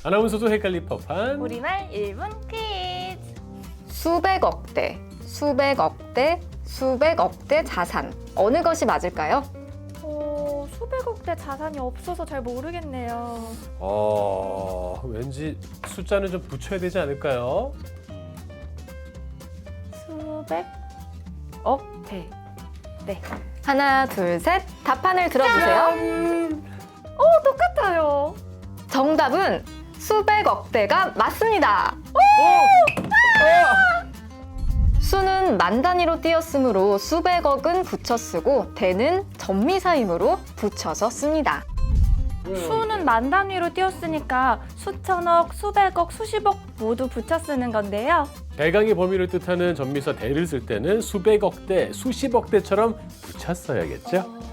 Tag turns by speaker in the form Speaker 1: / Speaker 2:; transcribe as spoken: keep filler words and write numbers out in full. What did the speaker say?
Speaker 1: 아나운서도 헷갈릴 법한
Speaker 2: 우리말 일 분 퀴즈.
Speaker 3: 수백억 대, 수백억 대, 수백억 대 자산. 어느 것이 맞을까요?
Speaker 2: 어, 수백억 대 자산이 없어서 잘 모르겠네요.
Speaker 1: 어, 왠지 숫자는 좀 붙여야 되지 않을까요?
Speaker 2: 수백억 대. 네.
Speaker 3: 하나, 둘, 셋. 답판을 들어주세요.
Speaker 2: 어, 똑같아요.
Speaker 3: 정답은 수백억 대가 맞습니다. 수는 만 단위로 띄었으므로 수백억은 붙여 쓰고 대는 전미사임으로 붙여서 씁니다.
Speaker 2: 수는 만 단위로 띄었으니까 수천억, 수백억, 수십억 모두 붙여 쓰는 건데요.
Speaker 1: 대강의 범위를 뜻하는 전미사 대를 쓸 때는 수백억 대, 수십억 대처럼 붙여 써야겠죠?